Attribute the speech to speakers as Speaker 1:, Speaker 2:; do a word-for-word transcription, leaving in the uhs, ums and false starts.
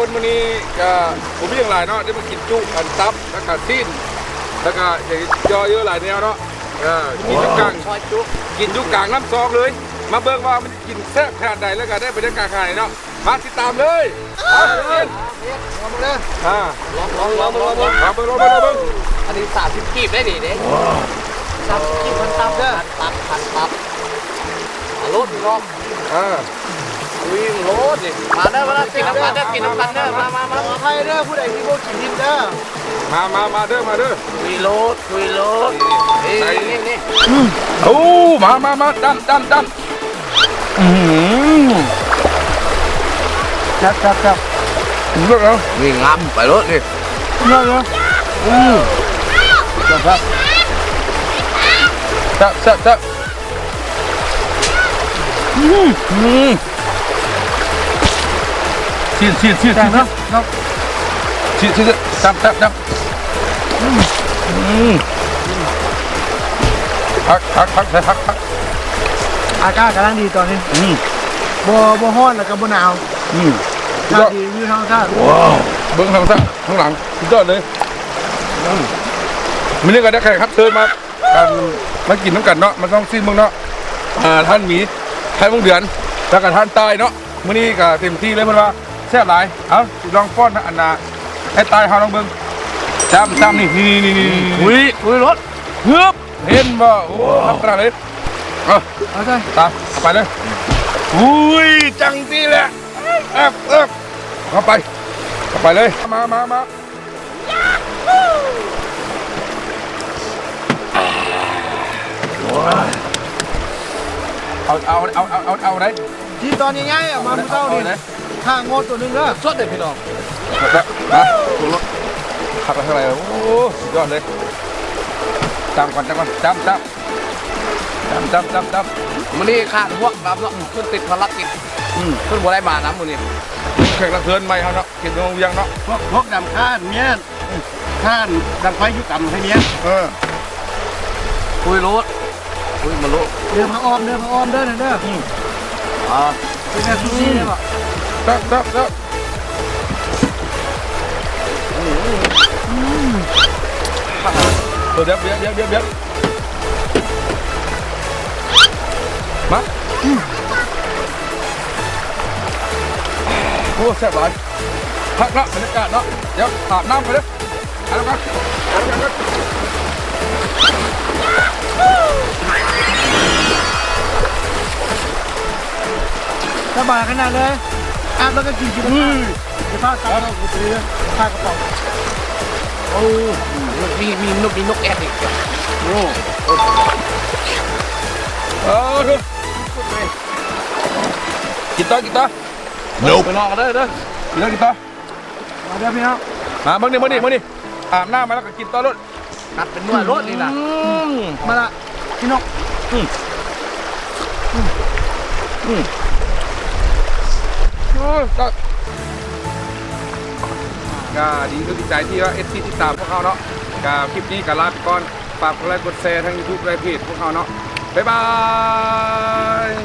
Speaker 1: คนวันนี้ก็ผมมีอย่างไรเนาะได้มากินจุอันซับแล้วก็ซีนแล้วก็อย่างย่อเยอะหลายแนวเนาะเออกินจุกลางกินจุกลางน้ำซองเลยมาเบิ่งว่ามันกินแซ่บขนาดใดแล้วก็ได้บรรยากาศขนาดไหนเนาะมาติดตามเลยมาเลยอ่าลองลองลองลองลองมาเบิ่งลองเบิ่งลองเบิ่ง
Speaker 2: อันนี้สามสิบกีบได้ดิเด้สามสิบกีบพันตับเด้อพันตับพันตับรถรอบ
Speaker 1: อ่า
Speaker 2: วิ่งรถดิมาเด้อมาเด้อกินน้ำกันเด้อกินน้ำกันเด้อมามามา
Speaker 3: ใครเด้อผู้ใดที่พวกกินดินเด้อ
Speaker 1: มามามาเด้อมาเด้อ
Speaker 2: คุยรถคุยรถนี่นี่นี่
Speaker 1: โอ้มามามาดันดันดันอืม
Speaker 3: จับจับจับ
Speaker 1: เลิกแล้ว
Speaker 2: วิ่งงามไปรถดิ
Speaker 1: เลิกแล้วอืมจับจับจับจับจับอืมอืมฉีดฉีดฉีดฉีดนะฉีดฉีดจับจับจับอืมอืมพักพักพักพักพัก
Speaker 3: อากาศกำลังดีตอนนี้
Speaker 1: อืม
Speaker 3: บ่บ่ฮ้อนแล้วก็บ่หนาว
Speaker 1: อืม
Speaker 3: อากาศดีวิวธรรมชาติ
Speaker 1: ว้าวเบิ้งทางซ้ายข้างหลังสุดยอดเลยมินี่ก็ได้แขกรับเชิญมาการมากินน้ำกันเนาะมันต้องซีนเมืองเนาะอ่าท่านหมีท่านวงเดือนแล้วก็ท่านใต้เนาะมื้อนี้ก็เต็มที่เลยเพิ่นว่าแซ่บหลายเอาลองป้อนอันน่ะให้ตายเฮาลองเบิ่งจ้ำจ้ำนี่นี่นี่นี่
Speaker 2: คุยคุยรถ
Speaker 1: เฮือบเห็นบ่โอ้ทำขนาดเลยเอา
Speaker 3: เอาใจ
Speaker 1: ตามไปเลยอุ้ยจังที่แหละเอ๊บเอ๊บเข้าไปเข้าไปเลยมามามาเอาเอาเอาเอาเอาเอาไหน
Speaker 3: ที่ตอนง่ายๆอ่ะมาเท่านี้ข้างงดตัวนึงเด้อ
Speaker 2: สดเลยพี่น้อง
Speaker 1: มาถูกรถขับไปเท่าไหร่โอ้สุดยอดเลยจำก่อนจำก่อนจำจำจำจำจำจำ
Speaker 2: มันนี่ขาดพวกน้ำเนาะขึ้นติดภารกิจขึ้นบัวได้มาน้ำมันนี่
Speaker 1: แขกรับเชิญใหม่เขาเนาะกินตรงยังเนาะ
Speaker 3: พวกพวกดำข้านเนี้ยข้านดังไฟยุกำให้เนี้ย
Speaker 1: เออ
Speaker 2: คุยรถคุยมาลุ
Speaker 3: เดินมาออมเดินมาออมเดินเด้อ
Speaker 2: อ่า
Speaker 3: เป็นแบบซูซี่เลยป่ะ
Speaker 1: จับจับจับเดี๋ยวเดี๋ยวเดี๋ยวเดี๋ยวเดี๋ยวมาโอ้แซ่บหลายพักละบรรยากาศเนาะเดี๋ยวอาบน้ำไปเลยเอาละกันเอาละกัน
Speaker 3: สบายขนาดเลยอาบแล้วก็กินกินจะพาตาเราไปเลยพากระเป๋า
Speaker 2: โอ้มีมีนกมีนกแอดอีกโอ้
Speaker 1: เออดูกินต่อกินต่อ
Speaker 2: เดี๋ยวไปนอนกันเด้อเด้อ
Speaker 1: กินต่อกินต่อ
Speaker 3: มาเด้อพี่น้อง
Speaker 1: มาเมื่อนี้เมื่อนี้เมื่อนี้อาบน้ำมาแล้วก็กินต่อรถ
Speaker 2: นัดเป็นนวดรถนี่นะ
Speaker 3: มาละพี่น้อง
Speaker 1: อืมอืมอืมโอ้ก็ก็ดีก็ดีใจที่ว่าเอสซีที่ตามพวกเขาเนาะกับคลิปนี้กับลาไปก่อนฝากกดไลค์กดแชร์ทั้งยูทูบไลฟ์เพจพวกเขาเนาะบ๊ายบาย